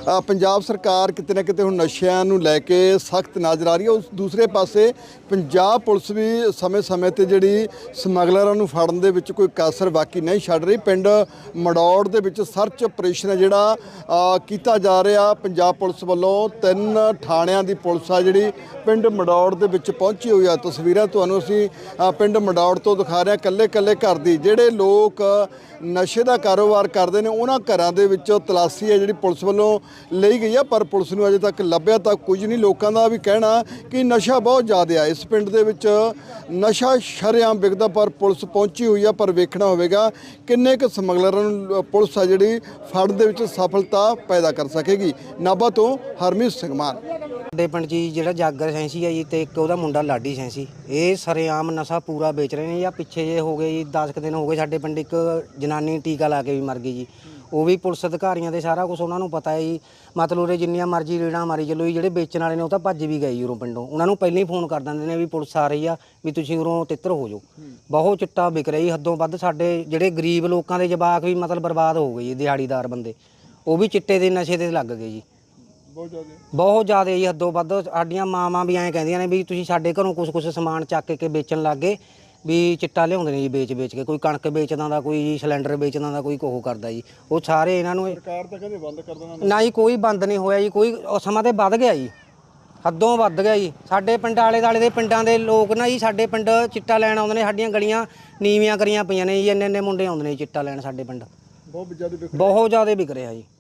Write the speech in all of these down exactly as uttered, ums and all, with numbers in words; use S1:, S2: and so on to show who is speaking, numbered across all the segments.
S1: ਪੰਜਾਬ ਸਰਕਾਰ ਕਿਤੇ ਨਾ ਕਿਤੇ ਹੁਣ ਨਸ਼ਿਆਂ ਨੂੰ ਲੈ ਕੇ ਸਖਤ ਨਜ਼ਰ ਆ ਰਹੀ ਹੈ। ਉਸ ਦੂਸਰੇ ਪਾਸੇ ਪੰਜਾਬ ਪੁਲਿਸ ਵੀ ਸਮੇਂ-ਸਮੇਂ ਤੇ ਜਿਹੜੀ ਸਮਗਲਰਾਂ ਨੂੰ ਫੜਨ ਦੇ ਵਿੱਚ ਕੋਈ ਕਸਰ ਬਾਕੀ ਨਹੀਂ ਛੱਡ ਰਹੀ। ਪਿੰਡ ਮੜੌੜ ਦੇ ਵਿੱਚ ਸਰਚ ਆਪਰੇਸ਼ਨ ਹੈ ਜਿਹੜਾ ਕੀਤਾ ਜਾ ਰਿਹਾ। ਪੰਜਾਬ ਪੁਲਿਸ ਵੱਲੋਂ ਤਿੰਨ ਥਾਣਿਆਂ ਦੀ ਪੁਲਿਸ ਆ ਜਿਹੜੀ ਪਿੰਡ ਮੜੌੜ ਦੇ ਵਿੱਚ ਪਹੁੰਚੀ ਹੋਈ ਆ। ਤਸਵੀਰਾਂ ਤੁਹਾਨੂੰ ਅਸੀਂ ਪਿੰਡ ਮੜੌੜ ਤੋਂ ਦਿਖਾ ਰਹੇ ਹਾਂ। ਕੱਲੇ ਕੱਲੇ ਘਰ ਦੀ ਜਿਹੜੇ ਲੋਕ ਨਸ਼ੇ ਦਾ ਕਾਰੋਬਾਰ ਕਰਦੇ ਨੇ ਉਹਨਾਂ ਘਰਾਂ ਦੇ ਵਿੱਚ ਤਲਾਸ਼ੀ ਹੈ ਜਿਹੜੀ ਪੁਲਿਸ ਵੱਲੋਂ ਲਈ ਗਈ ਆ, ਪਰ ਪੁਲਿਸ ਨੂੰ ਅਜੇ ਤੱਕ ਲੱਭਿਆ ਤਾਂ ਕੁਝ ਨਹੀਂ। ਲੋਕਾਂ ਦਾ ਵੀ ਕਹਿਣਾ ਕਿ ਨਸ਼ਾ ਬਹੁਤ ਜ਼ਿਆਦਾ ਆ ਇਸ ਪਿੰਡ ਦੇ ਵਿੱਚ, ਨਸ਼ਾ ਸ਼ਰੇਆਮ ਵਿਕਦਾ, ਪਰ ਪੁਲਿਸ ਪਹੁੰਚੀ ਹੋਈ ਆ। ਪਰ ਵੇਖਣਾ ਹੋਵੇਗਾ ਕਿੰਨੇ ਕੁ ਸਮਗਲਰਾਂ ਨੂੰ ਪੁਲਿਸ ਆ ਜਿਹੜੀ ਫੜਨ ਦੇ ਵਿੱਚ ਸਫਲਤਾ ਪੈਦਾ ਕਰ ਸਕੇਗੀ। ਨਾਭਾ ਤੋਂ ਹਰਮੀਤ ਸਿੰਘ ਮਾਨ।
S2: ਸਾਡੇ ਪਿੰਡ 'ਚ ਜਿਹੜਾ ਜਾਗਰ ਸੈਂਸੀ ਹੈ ਜੀ ਤੇ ਇੱਕ ਉਹਦਾ ਮੁੰਡਾ ਲਾਡੀ ਸੈਂਸੀ, ਇਹ ਸਰੇਆਮ ਨਸ਼ਾ ਪੂਰਾ ਵੇਚ ਰਹੇ ਨੇ। ਜਾਂ ਪਿੱਛੇ ਜੇ ਹੋ ਗਏ ਜੀ ਦਸ ਕੁ ਦਿਨ ਹੋ ਗਏ ਸਾਡੇ ਪਿੰਡ ਇੱਕ ਜਨਾਨੀ ਟੀਕਾ ਲਾ ਕੇ ਵੀ ਮਰ ਗਈ ਜੀ। ਉਹ ਵੀ ਪੁਲਿਸ ਅਧਿਕਾਰੀਆਂ ਦੇ ਸਾਰਾ ਕੁਝ ਉਹਨਾਂ ਨੂੰ ਪਤਾ ਹੈ ਜੀ। ਮਤਲਬ ਉਰੇ ਜਿੰਨੀਆਂ ਮਰਜ਼ੀ ਰੇੜਾਂ ਮਾਰੀ ਚੱਲੋ ਜੀ, ਜਿਹੜੇ ਵੇਚਣ ਵਾਲੇ ਨੇ ਉਹ ਤਾਂ ਭੱਜ ਵੀ ਗਏ ਜੀ ਉਰੋਂ ਪਿੰਡੋਂ। ਉਹਨਾਂ ਨੂੰ ਪਹਿਲਾਂ ਹੀ ਫੋਨ ਕਰ ਦਿੰਦੇ ਨੇ ਵੀ ਪੁਲਿਸ ਆ ਰਹੀ ਆ, ਵੀ ਤੁਸੀਂ ਉਰੋਂ ਤਿੱਤਰ ਹੋ ਜਾਓ। ਬਹੁਤ ਚਿੱਟਾ ਵਿਕ ਰਿਹਾ ਜੀ ਹੱਦੋਂ ਵੱਧ। ਸਾਡੇ ਜਿਹੜੇ ਗਰੀਬ ਲੋਕਾਂ ਦੇ ਜਵਾਕ ਵੀ ਮਤਲਬ ਬਰਬਾਦ ਹੋ ਗਏ ਜੀ, ਦਿਹਾੜੀਦਾਰ ਬੰਦੇ ਉਹ ਵੀ ਚਿੱਟੇ ਦੇ ਨਸ਼ੇ ਤੇ ਲੱਗ ਗਏ ਜੀ। ਬਹੁਤ ਜ਼ਿਆਦਾ ਬਹੁਤ ਜ਼ਿਆਦਾ ਜੀ ਹੱਦੋਂ ਵੱਧ। ਸਾਡੀਆਂ ਮਾਵਾਂ ਵੀ ਐਂ ਕਹਿੰਦੀਆਂ ਨੇ ਵੀ ਤੁਸੀਂ ਸਾਡੇ ਘਰੋਂ ਕੁਛ ਕੁਛ ਸਮਾਨ ਚੱਕ ਕੇ ਵੇਚਣ ਲੱਗ ਗਏ, ਵੀ ਚਿੱਟਾ ਲਿਆਉਂਦੇ ਨੇ ਜੀ ਵੇਚ ਵੇਚ ਕੇ। ਕੋਈ ਕਣਕ ਵੇਚਦਾ ਦਾ, ਕੋਈ ਜੀ ਸਿਲੰਡਰ ਵੇਚਦਾ ਦਾ, ਕੋਈ ਕੋਹ ਕਰਦਾ ਜੀ। ਉਹ ਸਾਰੇ ਇਹਨਾਂ ਨੂੰ
S1: ਸਰਕਾਰ ਤਾਂ ਕਹਿੰਦੇ ਬੰਦ ਕਰ ਦੇਣਾ।
S2: ਨਾ ਜੀ ਕੋਈ ਬੰਦ ਨਹੀਂ ਹੋਇਆ ਜੀ। ਕੋਈ ਸਮਾਂ ਤੇ ਵੱਧ ਗਿਆ ਜੀ, ਹੱਦੋਂ ਵੱਧ ਗਿਆ ਜੀ। ਸਾਡੇ ਪਿੰਡ ਆਲੇ ਦੁਆਲੇ ਦੇ ਪਿੰਡਾਂ ਦੇ ਲੋਕ ਨਾ ਜੀ ਸਾਡੇ ਪਿੰਡ ਚਿੱਟਾ ਲੈਣ ਆਉਂਦੇ ਨੇ। ਸਾਡੀਆਂ ਗਲੀਆਂ ਨੀਵੀਆਂ ਕਰੀਆਂ ਪਈਆਂ ਨੇ ਜੀ, ਇੰਨੇ ਇੰਨੇ ਮੁੰਡੇ ਆਉਂਦੇ ਨੇ ਚਿੱਟਾ ਲੈਣ ਸਾਡੇ ਪਿੰਡ। ਬਹੁਤ ਜ਼ਿਆਦਾ ਬਹੁਤ ਜ਼ਿਆਦਾ ਵਿਕ ਰਿਹਾ ਜੀ।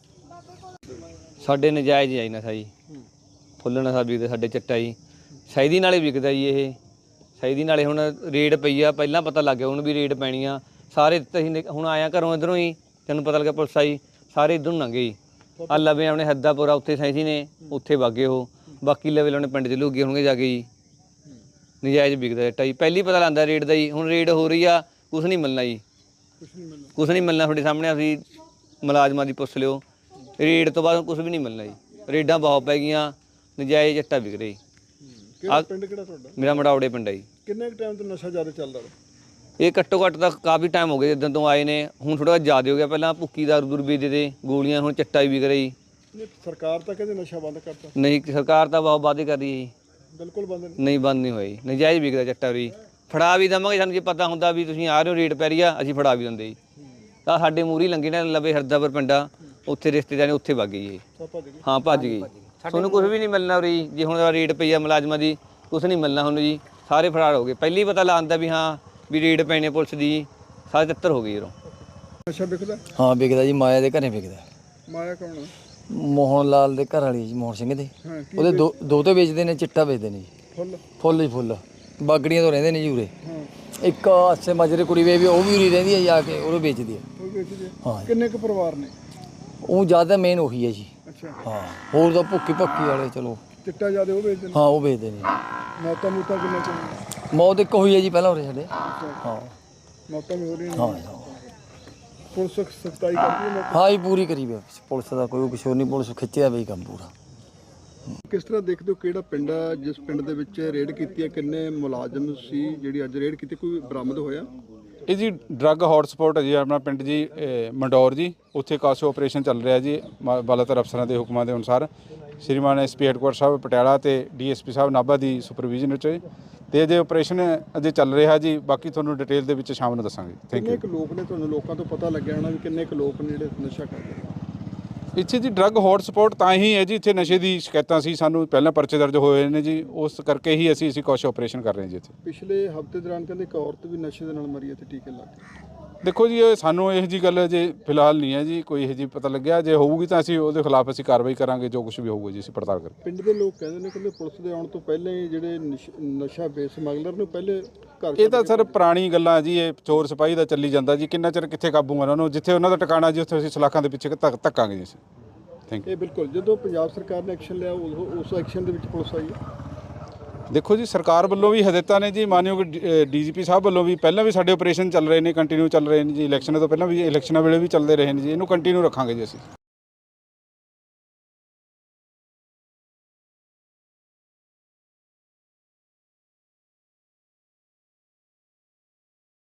S3: ਸਾਡੇ ਨਜਾਇਜ਼ ਹੀ ਨਸ਼ਾ ਜੀ, ਫੁੱਲ ਨਸ਼ਾ ਵਿਕਦਾ ਸਾਡੇ ਚਿੱਟਾ ਜੀ। ਸੈਦੀ ਨਾਲੇ ਵਿਕਦਾ ਜੀ ਇਹ। ਸੈਦੀ ਨਾਲੇ ਹੁਣ ਰੇਡ ਪਈ ਆ, ਪਹਿਲਾਂ ਪਤਾ ਲੱਗ ਗਿਆ ਹੁਣ ਵੀ ਰੇਡ ਪੈਣੀ ਆ। ਸਾਰੇ ਅਸੀਂ ਹੁਣ ਆਇਆ ਘਰੋਂ ਇੱਧਰੋਂ ਹੀ, ਤੈਨੂੰ ਪਤਾ ਲੱਗਿਆ ਪੁਲਿਸ ਆਈ, ਸਾਰੇ ਇੱਧਰ ਨੂੰ ਲੰਘੇ ਜੀ। ਆ ਲਵੇ ਆਪਣੇ ਹੱਦਾਪੁਰਾ ਉੱਥੇ ਸੈਂਸੀ ਨੇ, ਉੱਥੇ ਵਾਗੇ ਉਹ। ਬਾਕੀ ਲਵੇ ਆਪਣੇ ਪਿੰਡ 'ਚ ਲੁੱਗੇ ਹੋਣਗੇ ਜਾ ਕੇ ਜੀ। ਨਜਾਇਜ਼ ਵਿਕਦਾ ਚਿੱਟਾ ਜੀ। ਪਹਿਲੀ ਪਤਾ ਲੱਗਦਾ ਰੇਡ ਦਾ ਜੀ। ਹੁਣ ਰੇਡ ਹੋ ਰਹੀ ਆ, ਕੁਛ ਨਹੀਂ ਮਿਲਣਾ ਜੀ, ਕੁਛ ਨਹੀਂ ਮਿਲਣਾ। ਤੁਹਾਡੇ ਸਾਹਮਣੇ ਅਸੀਂ ਮੁਲਾਜ਼ਮਾਂ ਦੀ ਪੁੱਛ ਲਿਓ, ਰੇਡ ਤੋਂ ਬਾਅਦ ਕੁਛ ਵੀ ਨਹੀਂ ਮਿਲਣਾ ਜੀ। ਰੇਡਾਂ ਬਹੁਤ ਪੈ ਗਈਆਂ, ਨਜਾਇਜ਼ ਚਿੱਟਾ ਵਿਕ ਰਿਹਾ ਜੀ।
S1: ਕਿਹੜਾ ਪਿੰਡ ਕਿਹੜਾ ਤੁਹਾਡਾ?
S3: ਮੇਰਾ ਮੜੌੜੇ ਪਿੰਡ ਆ ਜੀ।
S1: ਕਿੰਨੇ ਟਾਈਮ ਤੋਂ ਨਸ਼ਾ ਜ਼ਿਆਦਾ ਚੱਲਦਾ?
S3: ਇਹ ਘੱਟੋ ਘੱਟ ਤਾਂ ਕਾਫੀ ਟਾਈਮ ਹੋ ਗਿਆ ਜਿੱਦਾਂ ਤੋਂ ਆਏ ਨੇ। ਹੁਣ ਥੋੜਾ ਜ਼ਿਆਦਾ ਹੋ ਗਿਆ। ਪਹਿਲਾਂ ਭੁੱਕੀ ਦਾਰੂ ਦੂਰ ਵੇਚਦੇ ਤੇ ਗੋਲੀਆਂ, ਹੁਣ ਚਿੱਟਾ ਵੀ ਵਿਕ ਰਿਹਾ ਜੀ।
S1: ਸਰਕਾਰ ਤਾਂ ਕਹਿੰਦੇ ਨਸ਼ਾ ਬੰਦ ਕਰਤਾ।
S3: ਨਹੀਂ, ਸਰਕਾਰ ਤਾਂ ਬਹੁਤ ਵਾਅਦੇ ਕਰ ਰਹੀ ਹੈ ਜੀ।
S1: ਬਿਲਕੁਲ ਬੰਦ ਨਹੀਂ।
S3: ਨਹੀਂ, ਬੰਦ ਨਹੀਂ ਹੋਇਆ ਜੀ। ਨਜਾਇਜ਼ ਵਿਕਦਾ ਚਿੱਟਾ ਵੀ। ਫੜਾ ਵੀ ਦੇਵਾਂਗੇ, ਸਾਨੂੰ ਜੇ ਪਤਾ ਹੁੰਦਾ ਵੀ ਤੁਸੀਂ ਆ ਰਹੇ ਹੋ ਰੇਟ ਪੈ ਰਹੀ ਆ, ਅਸੀਂ ਫੜਾ ਵੀ ਦਿੰਦੇ ਜੀ। ਤਾਂ ਸਾਡੇ ਮੂਹਰੇ ਲੰਘੇ ਨੇ ਲਵੇ ਹਰਦਾਪੁਰ ਪਿੰਡਾ, ਉੱਥੇ ਰਿਸ਼ਤੇਦਾਰ ਨੇ, ਉੱਥੇ ਵਗ ਗਈ ਜੀ। ਹਾਂ ਭੱਜ ਗਈ। ਤੁਹਾਨੂੰ ਕੁਛ ਵੀ ਨਹੀਂ ਮਿਲਣਾ ਉਰੀ। ਜੇ ਹੁਣ ਰੇਟ ਪਈ ਆ ਮੁਲਾਜ਼ਮਾਂ ਦੀ, ਕੁਛ ਨਹੀਂ ਮਿਲਣਾ ਹੁਣ ਜੀ। ਸਾਰੇ ਫਰਾਰ ਹੋ ਗਏ। ਪਹਿਲੀ ਪਤਾ ਲਾਉਂਦਾ ਵੀ ਹਾਂ ਵੀ ਰੇਡ ਪੈਣੇ ਪੁਲਿਸ ਦੀ, ਸਾਰੇ ਤਿੱਤਰ ਹੋ ਗਏ ਜਦੋਂ।
S1: ਨਸ਼ਾ ਵਿਕਦਾ?
S4: ਹਾਂ ਵਿਕਦਾ ਜੀ। ਮਾਇਆ ਦੇ ਘਰੇ ਵਿਕਦਾ।
S1: ਮਾਇਆ ਕੌਣ?
S4: ਮੋਹਨ ਲਾਲ ਦੇ ਘਰ ਵਾਲੀ ਜੀ, ਮੋਹਨ ਸਿੰਘ ਦੇ। ਉਹਦੇ ਦੋ ਦੋ ਤੇ ਵੇਚਦੇ ਨੇ, ਚਿੱਟਾ ਵੇਚਦੇ ਨੇ ਜੀ। ਫੁੱਲ ਫੁੱਲ ਹੀ ਫੁੱਲ। ਬਾਗੜੀਆਂ ਤੋਂ ਰਹਿੰਦੇ ਨੇ ਜੀ ਉਰੇ। ਇੱਕ ਆਸੇ ਮਾਜਰੇ ਕੁੜੀ ਵੇ ਵੀ ਉਹ ਵੀ ਉਰੀ ਰਹਿੰਦੀ ਹੈ ਜਾ ਕੇ, ਉਹ ਵੇਚਦੀ ਹੈ। ਹਾਂ।
S1: ਕਿੰਨੇ ਕੁ ਪਰਿਵਾਰ ਨੇ?
S4: ਉਹ ਜ਼ਿਆਦਾ ਮੇਨ ਉਹੀ ਹੈ ਜੀ।
S1: ਅੱਛਾ।
S4: ਹਾਂ, ਹੋਰ ਤਾਂ ਭੁੱਕੀ ਭੱਕੀ ਵਾਲੇ ਚਲੋ
S1: ਚਿੱਟਾ ਜ਼ਿਆਦਾ ਉਹ ਵੇਚਦੇ ਨੇ।
S4: ਹਾਂ, ਉਹ ਵੇਚਦੇ ਨੇ।
S1: ਮੌਤਾਂ ਮੂਤਾਂ ਕਿੰਨੇ ਚ?
S4: ਮੌਤ ਇੱਕ ਹੋਈ ਹੈ ਜੀ ਪਹਿਲਾਂ ਉਰੇ ਸਾਡੇ। ਹਾਂ,
S1: ਮੌਤਾਂ ਵੀ ਹੋ ਰਹੀਆਂ ਨੇ।
S4: ਹਾਂ
S1: ਪੁਲਿਸ ਸਖਤਾਈ ਕਰਦੀ ਹੈ?
S4: ਹਾਂ ਜੀ, ਪੂਰੀ ਕਰੀ ਵੇ ਪੁਲਿਸ ਦਾ। ਕੋਈ ਕੁਛ ਨਹੀਂ, ਪੁਲਿਸ ਖਿੱਚਿਆ ਬਈ ਕੰਮ ਪੂਰਾ।
S1: ਕਿਸ ਤਰ੍ਹਾਂ ਦੇਖਦੇ ਹੋ ਕਿਹੜਾ ਪਿੰਡ ਆ ਜਿਸ ਪਿੰਡ ਦੇ ਵਿੱਚ ਰੇਡ ਕੀਤੀ ਹੈ? ਕਿੰਨੇ ਮੁਲਾਜ਼ਮ ਸੀ ਜਿਹੜੀ ਅੱਜ ਰੇਡ ਕੀਤੀ? ਕੋਈ ਬਰਾਮਦ ਹੋਇਆ?
S5: ਇਹ ਜੀ ਡਰੱਗ ਹੌਟਸਪੌਟ ਹੈ ਜੀ ਆਪਣਾ ਪਿੰਡ ਜੀ, ਮੰਡੌਰ ਜੀ। ਉੱਥੇ ਕਾਸੋ ਆਪਰੇਸ਼ਨ ਚੱਲ ਰਿਹਾ ਜੀ ਬਾਲਾਤਰ ਅਫਸਰਾਂ ਦੇ ਹੁਕਮਾਂ ਦੇ ਅਨੁਸਾਰ। ਸ਼੍ਰੀਮਾਨ ਐਸ ਪੀ ਹੈਡਕੁਆਟਰ ਸਾਹਿਬ ਪਟਿਆਲਾ ਤੇ ਡੀ ਐਸ ਪੀ ਸਾਹਿਬ ਨਾਭਾ ਦੀ ਸੁਪਰਵਿਜ਼ਨ ਵਿੱਚ ਤੇ ਅਜੇ ਆਪਰੇਸ਼ਨ ਅਜੇ ਚੱਲ ਰਿਹਾ ਜੀ। ਬਾਕੀ ਤੁਹਾਨੂੰ ਡਿਟੇਲ ਦੇ ਵਿੱਚ ਸ਼ਾਮ ਨੂੰ ਦੱਸਾਂਗੇ। Thank you.
S1: ਕਿੰਨੇ ਕੁ ਲੋਕ ਨੇ, ਤੁਹਾਨੂੰ ਲੋਕਾਂ ਤੋਂ ਪਤਾ ਲੱਗਿਆ ਹੋਣਾ ਵੀ ਕਿੰਨੇ ਕੁ ਲੋਕ ਨੇ ਜਿਹੜੇ ਨਸ਼ਾ ਕਰਦੇ ਨੇ
S5: ਇੱਥੇ ਜੀ? ਡਰੱਗ ਹੌਟਸਪੌਟ ਤਾਂ ਹੀ ਹੈ ਜੀ, ਇੱਥੇ ਨਸ਼ੇ ਦੀ ਸ਼ਿਕਾਇਤਾਂ ਸੀ ਸਾਨੂੰ, ਪਹਿਲਾਂ ਪਰਚੇ ਦਰਜ ਹੋਏ ਨੇ ਜੀ। ਉਸ ਕਰਕੇ ਹੀ ਅਸੀਂ ਅਸੀਂ ਕੁਛ ਆਪਰੇਸ਼ਨ ਕਰ ਰਹੇ ਹਾਂ ਜੀ ਇੱਥੇ।
S1: ਪਿਛਲੇ ਹਫ਼ਤੇ ਦੌਰਾਨ ਕਹਿੰਦੇ ਇੱਕ ਔਰਤ ਵੀ ਨਸ਼ੇ ਦੇ ਨਾਲ ਮਰੀ ਹੈ ਤੇ ਟੀਕੇ ਲਾ ਕੇ।
S5: ਦੇਖੋ ਜੀ, ਇਹ ਸਾਨੂੰ ਇਹੋ ਜਿਹੀ ਗੱਲ ਜੇ ਫਿਲਹਾਲ ਨਹੀਂ ਹੈ ਜੀ, ਕੋਈ ਇਹੋ ਜਿਹੀ ਪਤਾ ਲੱਗਿਆ। ਜੇ ਹੋਊਗੀ ਤਾਂ ਅਸੀਂ ਉਹਦੇ ਖਿਲਾਫ ਅਸੀਂ ਕਾਰਵਾਈ ਕਰਾਂਗੇ, ਜੋ ਕੁਝ ਵੀ ਹੋਊਗਾ ਜੀ ਅਸੀਂ ਪੜਤਾਲ ਕਰਾਂਗੇ।
S1: ਪਿੰਡ ਦੇ ਲੋਕ ਕਹਿੰਦੇ ਨੇ ਕਿ ਪੁਲਿਸ ਦੇ ਆਉਣ ਤੋਂ ਪਹਿਲਾਂ ਹੀ ਜਿਹੜੇ ਨਸ਼ਾ ਵੇਚ ਸਮਗਲਰ ਨੂੰ ਪਹਿਲੇ ਘਰ।
S5: ਇਹ ਤਾਂ ਸਰ ਪੁਰਾਣੀ ਗੱਲਾਂ ਜੀ, ਇਹ ਚੋਰ ਸਿਪਾਹੀ ਦਾ ਚੱਲੀ ਜਾਂਦਾ ਜੀ। ਕਿੰਨਾ ਚਿਰ ਕਿੱਥੇ ਕਾਬੂ ਉਹਨਾਂ ਨੂੰ? ਜਿੱਥੇ ਉਹਨਾਂ ਦਾ ਟਿਕਾਣਾ ਜੀ ਉੱਥੇ ਅਸੀਂ ਸਲਾਖਾਂ ਦੇ ਪਿੱਛੇ ਧੱਕ ਧੱਕਾਂਗੇ ਜੀ ਅਸੀਂ। Thank you.
S1: ਇਹ ਬਿਲਕੁਲ ਜਦੋਂ ਪੰਜਾਬ ਸਰਕਾਰ ਨੇ ਐਕਸ਼ਨ ਲਿਆ ਉਸ ਐਕਸ਼ਨ ਦੇ ਵਿੱਚ ਪੁਲਿਸ ਆਈ ਹੈ।
S5: ਦੇਖੋ ਜੀ, ਸਰਕਾਰ ਵੱਲੋਂ ਵੀ ਹਦਾਇਤਾਂ ਨੇ ਜੀ, ਮਾਨਯੋਗ ਡੀ ਜੀ ਪੀ ਸਾਹਿਬ ਵੱਲੋਂ ਵੀ। ਪਹਿਲਾਂ ਵੀ ਸਾਡੇ ਆਪਰੇਸ਼ਨ ਚੱਲ ਰਹੇ ਨੇ, ਕੰਟੀਨਿਊ ਚੱਲ ਰਹੇ ਨੇ ਜੀ। ਇਲੈਕਸ਼ਨ ਤੋਂ ਪਹਿਲਾਂ ਵੀ, ਇਲੈਕਸ਼ਨਾਂ ਵੇਲੇ ਵੀ ਚੱਲਦੇ ਰਹੇ ਨੇ ਜੀ। ਇਹਨੂੰ ਕੰਟੀਨਿਊ ਰੱਖਾਂਗੇ ਜੀ ਅਸੀਂ।